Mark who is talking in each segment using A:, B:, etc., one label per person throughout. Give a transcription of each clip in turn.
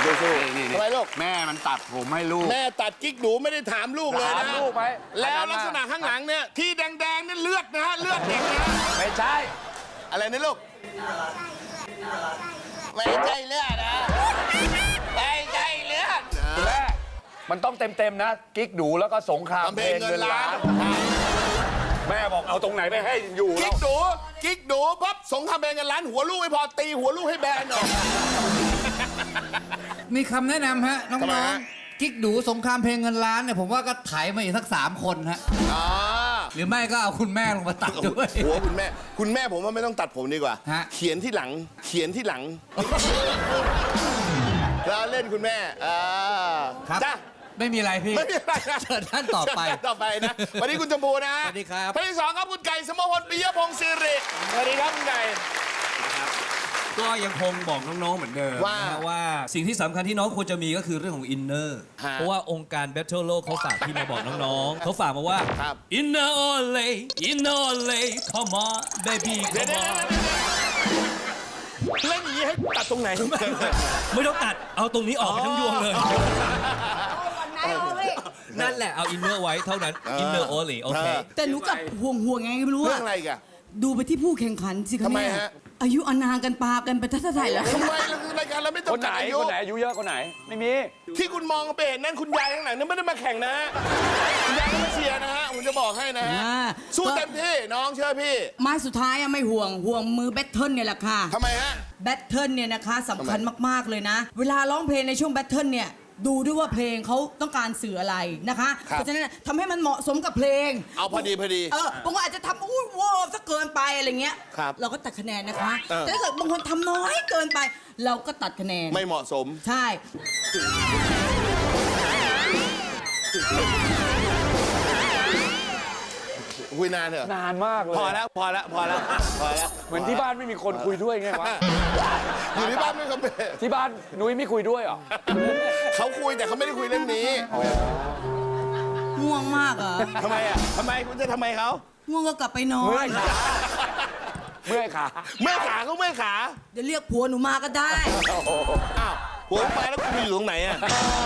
A: สู้
B: ทำไมลูก
A: แม่มันตัดผมให้ลูก
B: แม่ตัดกิ๊กหนูไม่ได้ถามลูกเลย
A: ถาม
B: นะ
A: ลูกไหม
B: แล้วลักษณะข้างหลังเนี่ยที่แดงๆนี่เลือดนะฮะเลือดเด็กนะ
A: ไม่ใช่
B: อะไรนะลูกไม่ใช่เลือดนะไม่ใช่เลือด
A: แม่มันต้องเต็มๆนะ กิ๊กดูแล้วก็สงคราม
B: ทำเพลงเงินล้าน
A: แม่บอกเอาตรงไหนไปให้อยู่แล้
B: กิ๊กดูปั๊บสงครามเพลงเงินล้านหัวลูกไม่พอตีหัวลูกให้แบนหน่อย
C: มีคำแนะนำฮะน้
B: ทำไม
C: อง
B: ฮะ
C: ๆกิ๊กดูสงครามเพลงเงินล้านเนี่ยผมว่าก็ไถมาอีกสัก3 คนฮะ
B: อ่า
C: หรือไม่ก็เอาคุณแม่ลงมาตัดด้วย
B: หัวคุณแม่ผมว่าไม่ต้องตัดผมดีกว่า
C: ฮะ
B: เขียนที่หลังแล้วเล่นคุณแม่
C: ครับ
B: จ้า
C: ไม่มีอะไรพี่
B: ไม่มีอะไรนะ
C: เชิญท่านต่อไป
B: เชิญท่านต่อไปนะวันนี้คุณชมพูนะ
C: สวัสดีครับ
B: ท่านที่สองครับคุณไก่สมพลปิยพงศ์สิริสวัสดีครับคุณไก่
D: ก็ยังคงบอกน้องๆเหมือนเดิม
B: ว่า
D: นะฮะว่าสิ่งที่สำคัญที่น้องควรจะมีก็คือเรื่องของอินเนอร์
B: ฮะ
D: เพราะว่าองค์การ Battle โลกเขาฝากพี่มาบอกน้องๆ เขาฝากมาว่า
B: ครับ
D: อินเนอร์โอเลอินเนอร์โอเล come on baby
B: เดี๋ยว
D: come on
B: เล่นอย่างนี้ให้ตัดตรงไหน
D: ไม่ต้องตัดเอาตรงนี้ออกไปทั้งยวงเลย นั่นแหละเอาอินเนอร์ไว้เท่านั้นอินเนอร์โอเลโอเค
E: แต่หนูกลับห่วงไงไม่รู้
B: เรื่
E: อะ
B: องอะไรอีกัน
E: ดูไปที่ผู้แข่งขันสิคะ
B: ทำไม
E: แม่
B: ฮะ
E: อายุอานามกันปากันไปทัศน์ไทยแล้ว
B: ทำไมเราคือรายการเราไม่ต้อ
A: ค
B: ง
A: นไหน
B: ตัดอายุ
A: คนไหนอายุเยอะคนไหน ไม่มี
B: ที่คุณมองไปเห็นนั่นคุณยายข้างหลังนั่นไม่ได้มาแข่งนะฮะคุณยายก็มาเชียร์นะฮะผมจะบอกให้นะฮะ
E: อ่า
B: สู้เต็มที่น้องเชื่อพี่
E: ไม้สุดท้ายอะไม่ห่วงมือแบทเทิลเนี่ยแหละค่ะ
B: ทำไมฮะ
E: แบทเทิลเนี่ยนะคะสำคัญมากๆเลยนะ เวลาร้องเพลงในช่วงแบทเทิลเนี่ยดูด้วยว่าเพลงเขาต้องการสื่ออะไรนะคะ
B: ครับ
E: เพราะฉะนั้นทำให้มันเหมาะสมกับเพลง
B: เอาพอดี
E: บางคนอาจจะทำอุ้ยว้าวซะเกินไปอะไรเงี้ย
B: ครับ
E: เราก็ตัดคะแนนนะคะ
B: เออ
E: แต่ถ้าเกิดบางคนทำน้อยเกินไป เราก็ตัดคะแนน
B: ไม่เหมาะสม
E: ใช่
B: คุยนานเถอะ
A: นานมากเลย
B: พอแล้ว
A: เหมือนที่บ้านไม่มีคนคุยด้วยไงวะ
B: อยู่ที่บ้านไม่เขาเป็น
A: ที่บ้านนุ้ยไม่คุยด้วยเหรอ
B: เขาคุยแต่เขาไม่ได้คุยเรื่องนี้
E: ง่วงมากอ่ะ
B: ทำไมอ่ะทำไมคุณจะทำไมเขา
E: ง่วงก็กลับไปนอ
A: เมื่อน ยขาเมื่อยขา
B: เมื่อยขาก็เมื่อยขา
E: เดี๋ยวเรียกผัวหนูมาก็ได้
B: อ้าวหัวไปแล้วคุณอยู่ตรงไหนอ่ะ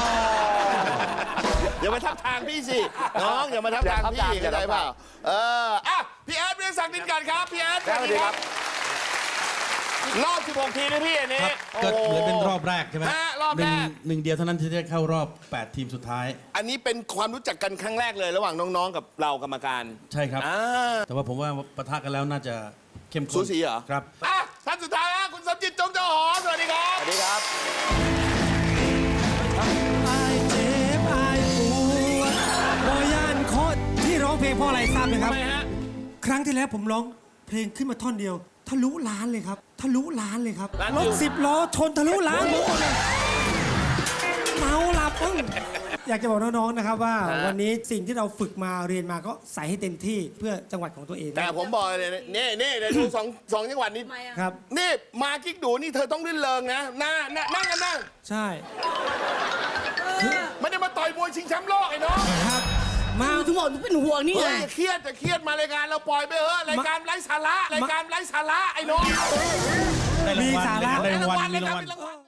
B: อย่ามาทับทางพี่สิน้องอย่ามาทับทางพี่เข้าใจเปล่าอ่ะพี่แอดเรียกศักดิ์ดินกันครับพี่แอดสวัสดีครับรอบ 16 ทีนะพี่อันนี้
F: ก็เหมือนเป็นรอบแรกใช่ไหม
B: ฮะรอบแรก
F: หนึ่งเดียวเท่านั้นที่จะเข้ารอบ 8 ทีมสุดท้าย
B: อันนี้เป็นความรู้จักกันครั้งแรกเลยระหว่างน้องๆกับเรากรรมการ
F: ใช่ครับ
B: อ่า
F: แต่ว่าผมว่าปะทะกันแล้วน่าจะเข้มข้น
B: สูสีเหรอ
F: ครับ
B: อ่ะท่านสุดท้ายฮะคุณสมจิตจงเจ้าหอสวัสดีครับ
A: สวัสดีครับ
G: อายเจ็บอายปวดบอย่านโคตรที่ร้องเพลงเพราะอะไรทราบไหมครับ
B: ทำไมฮะ
G: ครั้งที่แล้วผมร้องเพลงขึ้นมาท่อนเดียว ทะลุล้านเลยครับ ทะลุล้านเลยครับ
B: ล้าน
G: ร
B: วิ
G: ถ
B: ว
G: 10 ล้อชนทะลุล้านหมดเลยเมาหลับมึงอยากจะบอกน้องๆนะครับว่า วันนี้สิ่งที่เราฝึกมาเรียนมาก็ใส่ให้เต็มที่เพื่อจังหวัดของตัวเอง
B: แต่ผมบอกเลยนะนี่เดี๋ยวดูสองจังหวัดนี้
G: ครับ
B: นี่มากิ๊กดูนี่เธอต้องรื่นเริงนะนั่งกันนั่ง
G: ใช่
B: ไม่ได้มาต่อยมวยชิงแชมป์โลกไอ้น้อง
G: ครับมา
E: หนูถึงบอกหนูเป็นห่วงนี่
B: เฮ้
E: ไง
B: ยอย่าเครียดมารายการเราปล่อยไปเถอะรายการไร้สาระไอ้น้อง
G: มีสาระ
F: ได้รางวัลมีรางวัล
B: รางวัล